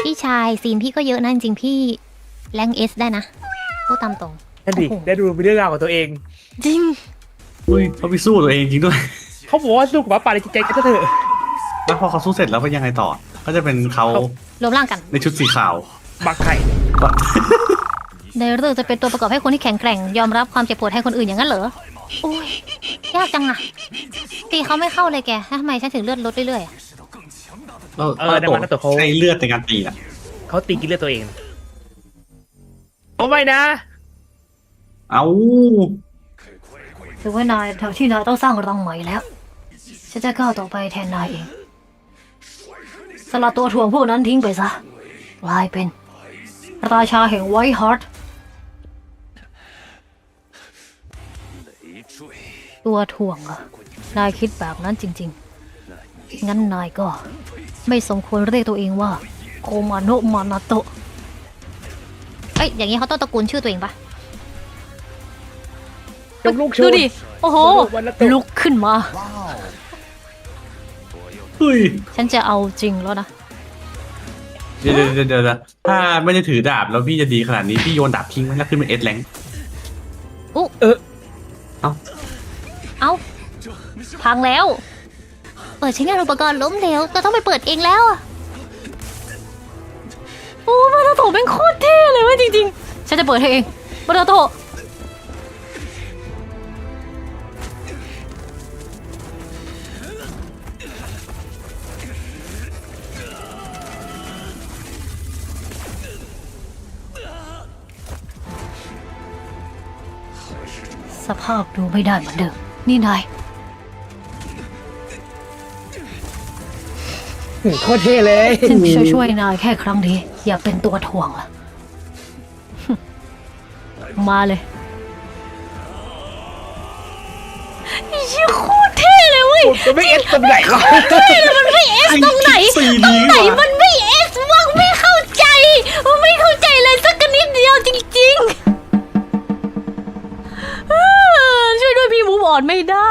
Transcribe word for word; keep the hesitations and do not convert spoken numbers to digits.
พี่ชายซีนพี่ก็เยอะนะจริงๆพี่แรงเอสได้นะพูดตามตรงนั่นดิโอ้โหได้ดูมีเรื่องราวของตัวเองจริงอุ้ยเขาไปสู้ตัวเองจริงด้วยเขาบอกว่าสู้กับหมาป่าในจิตใจกันเถอะแล้วพอเขาสู้เสร็จแล้วเป็นยังไงต่อ ก็จะเป็นเขารวมร่างกันในชุดสีขาวบักไข่ก็ในเรื่องจะเป็นตัวประกอบให้คนที่แข็งแกร่งยอมรับความเจ็บปวดให้คนอื่นอย่างนั้นเหรอโอ้ยยากจังอะตีเขาไม่เข้าเลยแกทำไมฉันถึงเลือดลดเรื่อยๆอะเราเออในวันนั้นตัวเขาใช้เลือดในการตีอ่ะเขาตีกินเลือดตัวเองโอ้ไม่นะเอ้าถือว่านายแถวที่นายต้องสร้างรังใหม่แล้วฉันจะก้าวต่อไปแทนนายเองสลัดตัวถ่วงพวกนั้นทิ้งไปซะกลายเป็นราชาแห่งไวท์ฮาร์ทตัวถ่วงเหรอนายคิดแบบนั้นจริงๆงั้นนายก็ไม่สมควรเรียกตัวเองว่าโคมาโนะมานาโตะเอ้ยอย่างนี้เขาต้องตระกูลชื่อตัวเองปะยกลูกชูดูดิ โอ้โหวันละตัวลุกขึ้นมาเฮ้ยฉันจะเอาจริงแล้วนะเดี๋ยวเดี๋ยวเดี๋ยวเดี๋ยวถ้าไม่ได้ถือดาบแล้วพี่จะดีขนาดนี้พี่โยนดาบทิ้งไว้แล้วขึ้นเป็นเอสแรงอุ๊เออเอ้าเอ้า พังแล้ว เปิดใช้งานอุปกรณ์ล้มเหลวเราต้องไปเปิดเองแล้วอะโอ้มาราโตะเป็นโคตรเท่เลยเว้ยจริงๆ ฉันจะเปิดให้เองมาราโตะสภาพดูไม่ได้เหมือนเดิม นี่นายโคตรเท่เลยฉันช่วยช่วยนายแค่ครั้งนี้อย่าเป็นตัวถ่วงล่ะ มาเลยไอ้เชี่ยโคตรเท่เลยเว้ยมันไม่เอสตรงไหนวะมันไม่เอสตรงไหนซีตรนี้งไหนว่ะมันไม่เอสวะไม่เข้าใจมันไม่เข้าใจเลยสักนิดเดียวจริงๆเออช่วยด้วยพี่มูฟออนไม่ได้